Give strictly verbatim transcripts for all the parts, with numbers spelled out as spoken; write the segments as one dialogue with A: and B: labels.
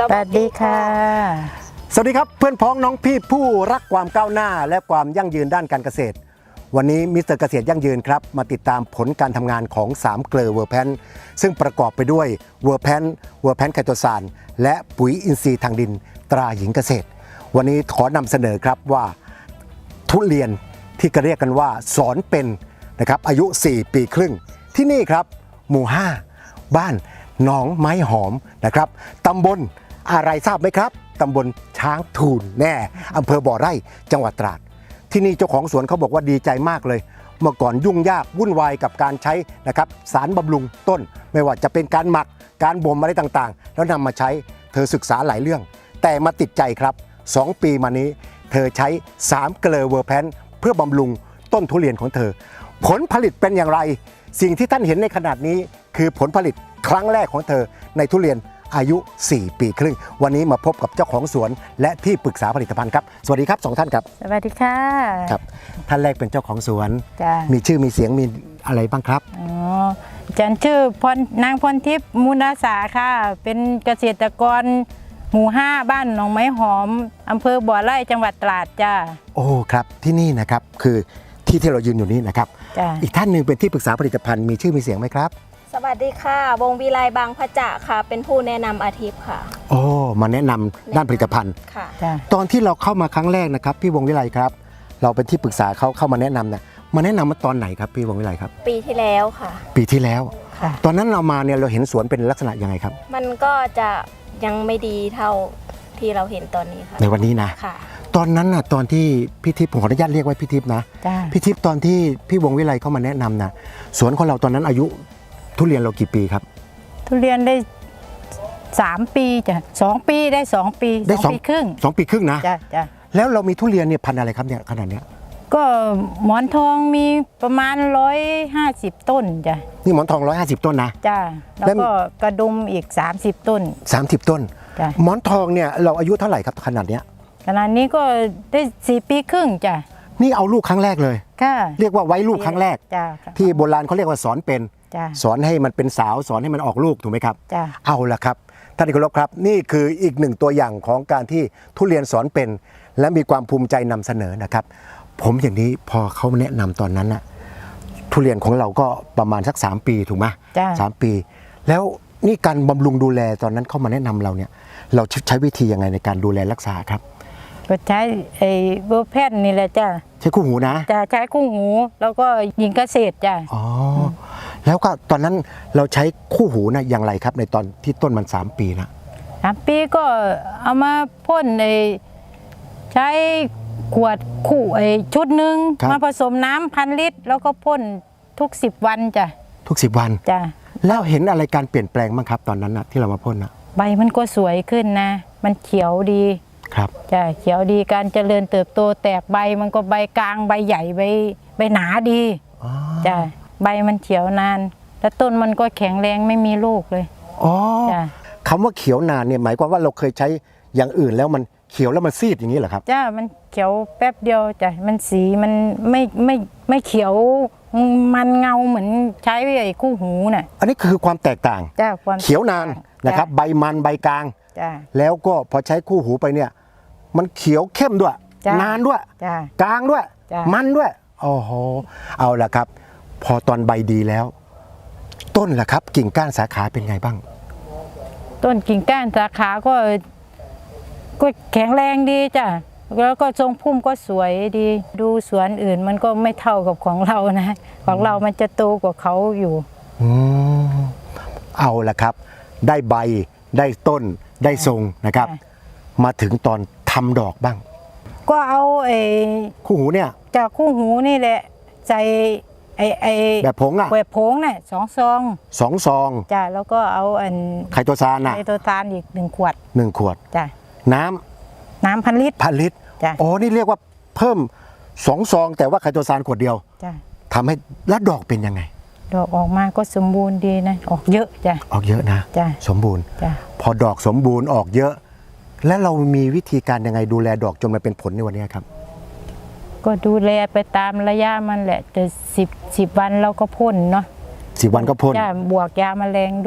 A: วัสดีค่ะ
B: สวัสดีครับเพื่อนพ้องน้องพี่ผู้รักความก้าวหน้าและความยั่งยืนด้านการเกษตรวันนี้มิสเตอร์เกษตรยั่งยืนครับมาติดตามผลการทำงานของสามเกลอเวอร์แพนซึ่งประกอบไปด้วยเวอร์แพนเวอร์แพนไคโตซานและปุ๋ยอินทรีย์ทางดินตราหญิงเกษตรวันนี้ขอนำเสนอครับว่าทุเรียนที่เรียกกันว่าสอนเป็นนะครับอายุสี่ปีครึ่งที่นี่ครับหมู่ห้าบ้านหนองไม้หอมนะครับตำบลอะไรทราบไหมครับตำบลช้างทูลแน่อำเภอบ่อไร่จังหวัดตราดที่นี่เจ้าของสวนเขาบอกว่าดีใจมากเลยเมื่อก่อนยุ่งยากวุ่นวายกับการใช้นะครับสารบำรุงต้นไม่ว่าจะเป็นการหมักการบ่มอะไรต่างๆแล้วนำมาใช้เธอศึกษาหลายเรื่องแต่มาติดใจครับสองปีมานี้เธอใช้สามเกลอเวอร์แพนเพื่อบำรุงต้นทุเรียนของเธอผลผลิตเป็นอย่างไรสิ่งที่ท่านเห็นในขนาดนี้คือผลผลิตครั้งแรกของเธอในทุเรียนอายุสี่ปีครึ่งวันนี้มาพบกับเจ้าของสวนและที่ปรึกษาผลิตภัณฑ์ครับสวัสดีครับสองท่านครับ
A: สวัสดีค่ะ
B: ครับท่านแรกเป็นเจ้าของสวน
A: จ้ะ
B: มีชื่อมีเสียงมีอะไรบ้างครับ
A: อ๋อฉันชื่อพรนางพรทิพย์มูลอาสาค่ะเป็นเกษตรกรหมู่ห้าบ้านหนองไม้หอมอำเภอบ่อไร่จังหวัดตราดจ้า
B: โอ้ครับที่นี่นะครับคือที่ที่เรายืนอยู่นี้นะครับอีกท่านหนึ่งเป็นที่ปรึกษาผลิตภัณฑ์มีชื่อมีเสียงไหมครับ
C: สวัสดีค่ะวงวิไลบางพระจะค่ะเป็นผู้แนะนำอาทิตย์ค่ะ
B: โอ้มาแนะนำด้านผลิตภัณฑ์
C: ค่ะ
B: ตอนที่เราเข้ามาครั้งแรกนะครับพี่วงวิไลครับเราเป็นที่ปรึกษาเขาเข้ามาแนะนำนะมาแนะนำมาตอนไหนครับพี่วงวิไลครับ
C: ปีที่แล้วค่ะ
B: ปีที่แล้วตอนนั้นเรามาเนี่ยเราเห็นสวนเป็นลักษณะยังไงครับ
C: มันก็จะยังไม่ดีเท่าที่เราเห็นตอนนี้ค่ะ
B: ในวันนี้นะ
C: ค่ะ
B: ตอนนั้นน่ะตอนที่พี่ทิพย์ผมขออนุญาตเรียกว่าพี่ทิพย์นะพี่ทิพย์ตอนที่พี่วงวิไลเข้ามาแนะนำนะสวนของเราตอนนั้นอายุทุเรียนเรากี่ปีครับ
A: ทุเรียนได้สามปีจ้ะสองปีได้สองปี
B: ได้สอง
A: ปีครึ่ง
B: สองปีครึ่งนะ
A: จ้ะจ้ะ
B: แล้วเรามีทุเรียนเนี่ยพันธุ์อะไรครับเนี่ยขนาดเนี้ย
A: ก็หมอนทองมีประมาณร้อยห้าสิบต้นจ้ะ
B: นี่หมอนทองร้อยห้าสิบต้นนะ
A: จ้ะแล้วก็กระดุมอีกสามสิบต้น
B: สามสิบต้น
A: จ้ะ
B: หมอนทองเนี่ยเราอายุเท่าไหร่ครับขนาดเนี้ย
A: ขนาดนี้ก็ได้สี่ปีครึ่งจ้ะ
B: นี่เอาลูกครั้งแรกเลย
A: ค่ะ
B: เรียกว่าไว้ลูกครั้งแรก
A: จ้ะ
B: ที่โบราณเขาเรียกว่าสอนเป็นสอนให้มันเป็นสาวสอนให้มันออกลูกถูกไหมครับเอาละครับท่านที่เคารพครับนี่คืออีกหนึ่งตัวอย่างของการที่ทุเรียนสอนเป็นและมีความภูมิใจนำเสนอนะครับผมอย่างนี้พอเขาแนะนำตอนนั้นน่ะทุเรียนของเราก็ประมาณสักสามปีถูกไหมสามปีแล้วนี่การบำรุงดูแลตอนนั้นเข้ามาแนะนำเราเนี่ยเราใช้วิธียังไงในการดูแลรักษาครับ
A: ก็ใช้ไอ้เวอร์แพนนี่แหละจ้ะ
B: ใช้คู่หูนะ
A: จะใช้คู่หูแล้วก็ยิงเกษตรจ้ะ
B: อ๋อแล้วก็ตอนนั้นเราใช้คู่หูนะอย่างไรครับในตอนที่ต้นมันสามปีนะ
A: สามปีก็เอามาพ่นไอ้ใช้ขวดคู่ไอ้ชุดหนึ่งมาผสมน้ำพันลิตรแล้วก็พ่นทุกสิบวันจ้ะ
B: ทุกสิบวัน
A: จ้ะ
B: แล้วเห็นอะไรการเปลี่ยนแปลงบ้างครับตอนนั้นนะที่เรามาพ่นนะ
A: ใบมันก็สวยขึ้นนะมันเขียวดี
B: ครับ
A: จ้ะเขียวดีการเจริญเติบโตแตกใบมันก็ใบกลางใบใหญ่ใบใบหนาดีจ้ะใบมันเขียวนานแล้วต้นมันก็แข็งแรงไม่มีลูกเลย
B: อ๋อคำว่าเขียวนานเนี่ยหมายความว่าเราเคยใช้อย่างอื่นแล้วมันเขียวแล้วมันซีดอย่างนี้เหรอครับ
A: จ้ะมันเขียวแป๊บเดียวจ้ะมันสีมันไม่ไม่ไม่เขียวมันเงาเหมือนใช้ไอ้คู่หูน่ะ
B: อันนี้คือความแตกต่าง
A: จ้ะความ
B: เขียวนานนะครับใบมันใบกลางแล้วก็พอใช้คู่หูไปเนี่ยมันเขียวเข้มด้วยนานด้วยกลางด้วยมันด้วยโอ้โหเอาละครับพอตอนใบดีแล้วต้นล่ะครับกิ่งก้านสาขาเป็นไงบ้าง
A: ต้นกิ่งก้านสาขาก็ก็แข็งแรงดีจ้ะแล้วก็ทรงพุ่มก็สวยดีดูสวนอื่นมันก็ไม่เท่ากับของเรานะของเรามันจะโตกว่าเขาอยู่
B: อืมเอาละครับได้ใบได้ต้นได้ทรงนะครับมาถึงตอนทำดอกบ้าง
A: ก็เอาไอ้
B: คู่หูเนี่ย
A: จากคู่หูนี่แหละใส่ไอ้ไอ้
B: แบบผงอะ
A: แบบผงเนี่ยสองซอง
B: สองซอง
A: จ้ะแล้วก็เอาอัน
B: ไคโตซานอะ
A: ไคโตซานอีกหนึ่งขวด
B: หนึ่งขวด
A: จ้ะ
B: น้
A: ำน้ำพันลิตร
B: พันลิตร
A: จ้ะ
B: อ๋อนี่เรียกว่าเพิ่มสองซองแต่ว่าไคโตซานขวดเดียว
A: จ้ะ
B: ทำให้แล้วดอกเป็นยังไง
A: ดอกออกมาก็สมบูรณ์ดีนะออกเยอะจ้ะ
B: ออกเยอะนะ
A: จ้ะ
B: สมบูรณ์
A: จ้ะ
B: พอดอกสมบูรณ์ออกเยอะแล้วเรามีวิธีการยังไงดูแลดอกจนมาเป็นผลในวันนี้ครับ
A: ก็ดูแลไปตามระยะมันแหละแต่สิบสิบวันเราก็พ่นเนาะ
B: สิบวันก็พ่น
A: จ้ะบวกยาแมลงด้วย
B: อ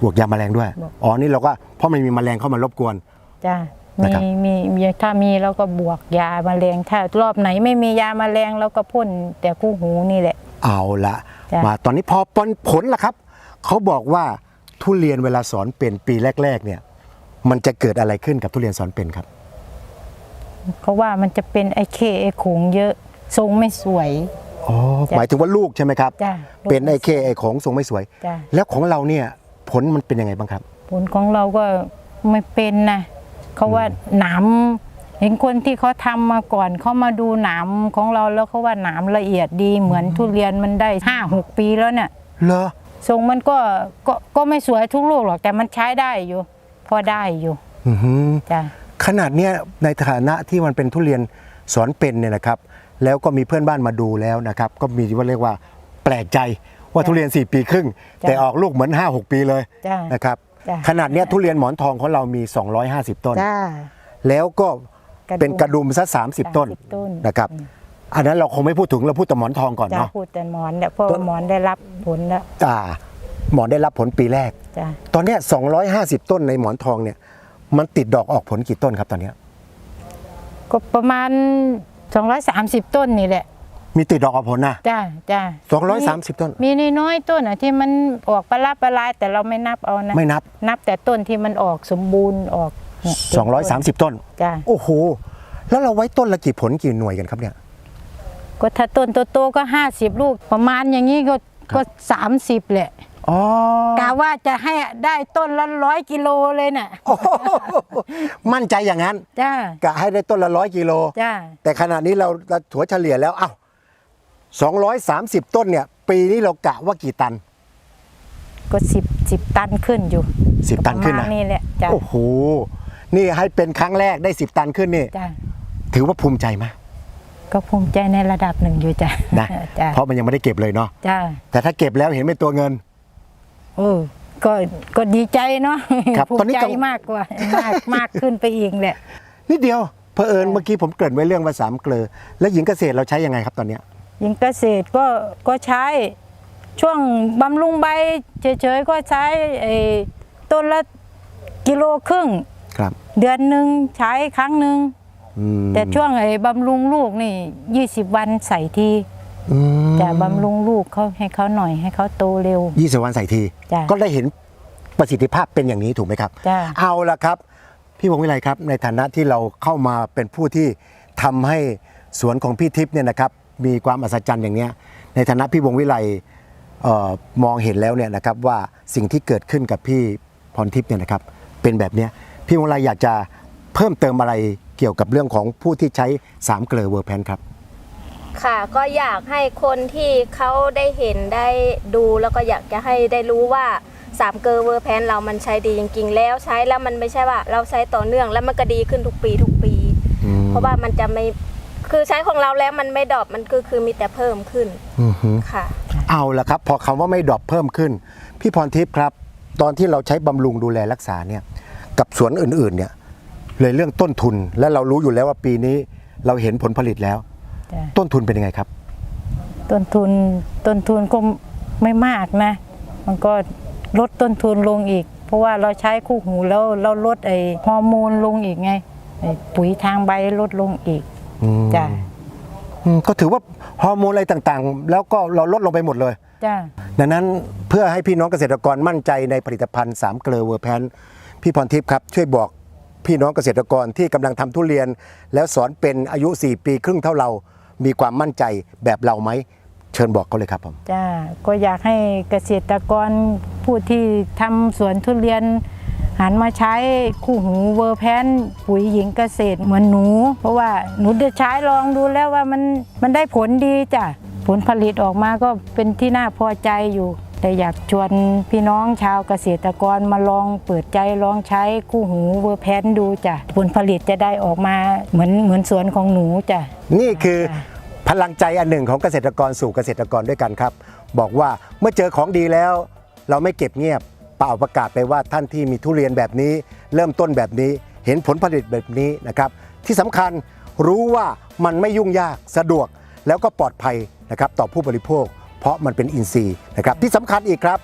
B: บวกยาแมลงด้วย
A: บวก
B: อ๋อนี่เราก็เพราะมันมีแมลงเข้ามารบกวน
A: จ้ะ
B: นะ
A: มี
B: ครับ
A: มีมีถ้ามีเราก็บวกยาแมลงถ้ารอบไหนไม่มียาแมลงเราก็พ่นแต่คู่หูนี่แหละ
B: เอาละ
A: จ้ะ
B: มาตอนนี้พอผลผลล่ะครับเขาบอกว่าทุเรียนเวลาสอนเป็นปีแรกๆเนี่ยมันจะเกิดอะไรขึ้นกับทุเรียนสอนเป็นครับ
A: เขาว่ามันจะเป็นไอ้เคไอ้ขงเยอะทรงไม่สวย
B: อ๋อ
A: จ้ะ
B: หมายถึงว่าลูกใช่ไหมครับ
A: จ้ะ
B: เป็นไอเคไอของทรงไม่สวย
A: จ้ะ
B: แล้วของเราเนี่ยผลมันเป็นยังไงบ้างครับ
A: ผลของเราก็ไม่เป็นนะเขาว่าหนามเห็นคนที่เขาทำมาก่อนเขามาดูหนามของเราแล้วเขาว่าหนามละเอียดดีเหมือนทุเรียนมันได้ห้าหกปีแล้วเนี่ย
B: เหรอ
A: ทรงมันก็ก็ก็ไม่สวยทุกลูกหรอกแต่มันใช้ได้อยู่ พอได้อยู่
B: อือหือ
A: จ้ะ
B: ขนาดเนี้ยในฐานะที่มันเป็นทุเรียนสอนเป็นเนี่ยนะครับ แล้วก็มีเพื่อนบ้านมาดูแล้วนะครับ ก็มีว่าเรียกว่าแปลกใจว่าทุเรียนสี่ปีครึ่ง แต่ออกลูกเหมือน ห้าหก ปีเลย
A: จ้ะ
B: นะครับ
A: จ้ะ
B: ขนาดเนี้ยทุเรียนหมอนทองของเรามี สองร้อยห้าสิบ ต้น
A: จ้า
B: แล้วก็
A: กระดุม
B: เป็นกระดุมซะสามสิบ ต้น
A: สามสิบต้น
B: นะครับ อันนั้นเราคงไม่พูดถึงเราพูดแต่หมอนทองก่อน
A: จ้า
B: เนาะ
A: พูดแต่หมอนเนี่ยเพราะ
B: ต้
A: ว่าน หมอนได้รับผลแล้ว
B: อ่าหมอนได้รับผลปีแรก
A: จ้า
B: ตอนเนี้ยสองร้อยห้าสิบ ต้นในหมอนทองเนี่ยมันติดดอกออกผลกี่ต้นครับตอนเนี้ย
A: ก็ประมาณสองร้อยสามสิบต้นนี่แหละ
B: มีติดดอกออกผลนะ
A: จ้าจ้า
B: สองร้อยสามสิบ ต้น
A: มีน้อยๆต้นอ่ะที่มันออกปลาลาปลาลายแต่เราไม่นับเอานะ
B: ไม่นับ
A: นับแต่ต้นที่มันออกสมบูรณ์ออกเนี่ย
B: สองร้อยสามสิบ ต้น
A: จ้า
B: โอ้โห แล้วเราไว้ต้นละกี่ผลกี่หน่วยกันครับเนี่ย
A: ก็ถ้าต้นโตๆก็ห้าสิบลูกประมาณอย่างนี้ก็ก็สามสิบแหละ
B: อ๋อก
A: ะว่าจะให้ได้ต้นละร้อยกิโลเลยน่ะ
B: โอ้โหมั่นใจอย่างนั้น
A: จ้าก
B: ะให้ได้ต้นละร้อยกิโล
A: จ้า
B: แต่ขณะนี้เราเราถัวเฉลี่ยแล้วเอ้าสองร้อยสามสิบ ต้นเนี่ย ปีนี้เรากะว่ากี่ตัน
A: ก็สิบสิบตันขึ้นอยู่
B: สิบ ตันขึ้น
A: ประ
B: นะ
A: มาณนี่แหละจ้า
B: โอ้โห นี่ให้เป็นครั้งแรกได้สิบ ตันขึ้นนี่
A: จ้า
B: ถือว่าภูมิใจไหม
A: ก็ภูมิใจในระดับหนึ่งอยู่จ้ะ
B: นะ
A: จ้า
B: เพราะมันยังไม่ได้เก็บเลยเนาะ
A: จ้า
B: แต่ถ้าเก็บแล้วเห็นเป็นตัวเงิน
A: โอ้ก็ก็ดีใจเนาะ
B: ครับ
A: ภู
B: ตอน
A: มิ
B: นี้
A: ใจ
B: กัง
A: มากกว่ามากมากขึ้นไปอีกแหละ
B: นิดเดียวเผอิญเมื่อกี้ผมเกริ่นไว้เรื่องภาษามเกลอแล้วหญิงเกษตรเราใช้ยังไงครับตอนเนี้ย
A: ยิงเกษตรก็ก็ใช้ช่วงบำรุงใบเฉยๆก็ใช้ไอ้ต้นละกิโลครึ่ง
B: ครับ
A: เดือนหนึ่งใช้ครั้งหนึ่ง
B: อืม
A: แต่ช่วงไอ้บำรุงลูกนี่ยี่สิบวันใส่ที
B: อืม
A: จะบำรุงลูกเขาให้เขาหน่อยให้เขาโตเร็ว
B: ยี่สิบวันใส่ที
A: จ้ะ
B: ก็ได้เห็นประสิทธิภาพเป็นอย่างนี้ถูกไหมครับ
A: จ้ะ
B: เอาละครับ พี่วงศ์วิไลครับ ในฐานะที่เราเข้ามาเป็นผู้ที่ทำให้สวนของพี่ทิพย์เนี่ยนะครับมีความอัศจรรย์อย่างเนี้ยในฐานะพี่วงศ์วิไลเอ่อมองเห็นแล้วเนี่ยนะครับว่าสิ่งที่เกิดขึ้นกับพี่พรทิพย์เนี่ยนะครับเป็นแบบเนี้ยพี่วงศ์วิไลอยากจะเพิ่มเติมอะไรเกี่ยวกับเรื่องของผู้ที่ใช้สามเกลอเวอร์แพนครับ
C: ค่ะก็อยากให้คนที่เขาได้เห็นได้ดูแล้วก็อยากจะให้ได้รู้ว่าสามเกอร์เวอร์แพนเรามันใช้ดีจริงๆแล้วใช้แล้วมันไม่ใช่ว่าเราใช้ต่อเนื่องแล้วมันก็ดีขึ้นทุกปีทุกปี
B: อืม
C: เพราะว่ามันจะไม่คือใช้ของเราแล้วมันไม่ดรอปมันคือคือมีแต่เพิ่มขึ้น
B: อือฮึ
C: ค่ะ
B: เอาละครับพอคำว่าไม่ดรอปเพิ่มขึ้น พี่พรทิพย์ครับ ตอนที่เราใช้บำรุงดูแลรักษาเนี่ยกับสวนอื่นๆเนี่ยเลยเรื่องต้นทุนและเรารู้อยู่แล้วว่าปีนี้เราเห็นผลผลิตแล้ว
A: จ้ะ
B: ต้นทุนเป็นยังไงครับ
A: ต้นทุนต้นทุนก็ไม่มากนะ มันก็ลดต้นทุนลงอีก เพราะว่าเราใช้คู่หูแล้วเราลดไอ้ฮอร์โมนลงอีกไงไอ้ปุ๋ยทางใบลดลงอีก
B: อืม
A: จ้ะ
B: อืมก็ถือว่าฮอร์โมนอะไรต่างๆ แล้วก็เราลดลงไปหมดเลย
A: จ้า
B: ดังนั้นเพื่อให้พี่น้องเกษตรกรมั่นใจในผลิตภัณฑ์สามเกลอเวอร์แพนพี่พรทิพย์ครับช่วยบอกพี่น้องเกษตรกรที่กำลังทำทุเรียน แล้วสอนเป็นอายุสี่ปีครึ่งเท่าเรา มีความมั่นใจแบบเราไหมเชิญบอกเขาเลยครับผม
A: จ้าก็อยากให้เกษตรกรผู้ที่ทำสวนทุเรียน หันมาใช้คู่หูเวอร์แพนปุ๋ยหญิงเกษตรเหมือนหนู เพราะว่าหนูได้ใช้ลองดูแล้วว่ามันมันได้ผลดีจ้ะผลผลิตออกมาก็เป็นที่น่าพอใจอยู่ แต่อยากชวนพี่น้องชาวเกษตรกรมาลองเปิดใจลองใช้คู่หูเวอร์แพนดูจ้ะผลผลิตจะได้ออกมาเหมือนเหมือนสวนของหนูจ้ะ
B: นี่คือ
A: จ้ะ
B: พลังใจอันหนึ่งของเกษตรกรสู่เกษตรกรด้วยกันครับ บอกว่าเมื่อเจอของดีแล้ว เราไม่เก็บเงียบเป่าประกาศไปว่าท่านที่มีทุเรียนแบบนี้ เริ่มต้นแบบนี้เห็นผลผลิตแบบนี้นะครับที่สำคัญรู้ว่ามันไม่ยุ่งยากสะดวกแล้วก็ปลอดภัยนะครับต่อผู้บริโภค เพราะมันเป็นอินทรีย์นะครับที่สำคัญอีกครับ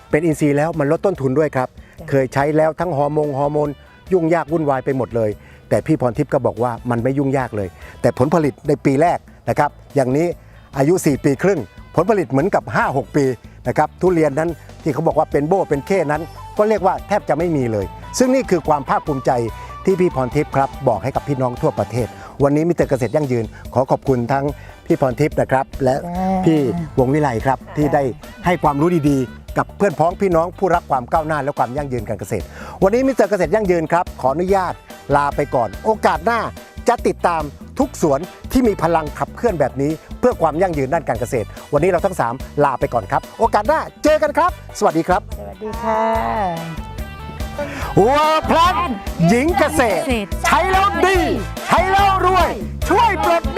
B: เป็นอินทรีย์แล้วมันลดต้นทุนด้วยครับเคยใช้แล้วทั้งฮอร์โมนฮอร์โมนยุ่งยากวุ่นวายไปหมดเลยแต่พี่พรทิพย์ก็บอกว่ามันไม่ยุ่งยากเลย แต่ผลผลิตในปีแรกนะครับอย่างนี้อายุ สี่ ปีครึ่งผลผลิตเหมือนกับ ห้าหก ปีนะครับทุเรียนนั้นที่เขาบอกว่าเป็นโบ้เป็นเข้นั้นก็เรียกว่าแทบจะไม่มีเลย ซึ่งนี่คือความภาคภูมิใจที่พี่พรทิพย์ครับบอกให้กับพี่น้องทั่วประเทศ วันนี้มิสเตอร์เกษตรยั่งยืนขอขอบคุณทั้งพี่พรทิพย์นะครับและพี่วงวิไลครับที่ได้ให้ความรู้ดีๆกับเพื่อนพ้องพี่น้องผู้รักความก้าวหน้าและความยั่งยืนการเกษตรวันนี้มิสเตอร์เกษตรยั่งยืนครับขออนุญาตลาไปก่อนโอกาสหน้าจะติดตามทุกสวนที่มีพลังขับเคลื่อนแบบนี้เพื่อความยั่งยืนด้านการเกษตรวันนี้เราทั้งสามลาไปก่อนครับโอกาสหน้าเจอกันครับสวัสดีครับ
A: สวัสดีค่ะ
B: เวอร์แพลนหญิงเกษตร ใช้แล้วดี ใช้แล้วรวย ช่วยปลด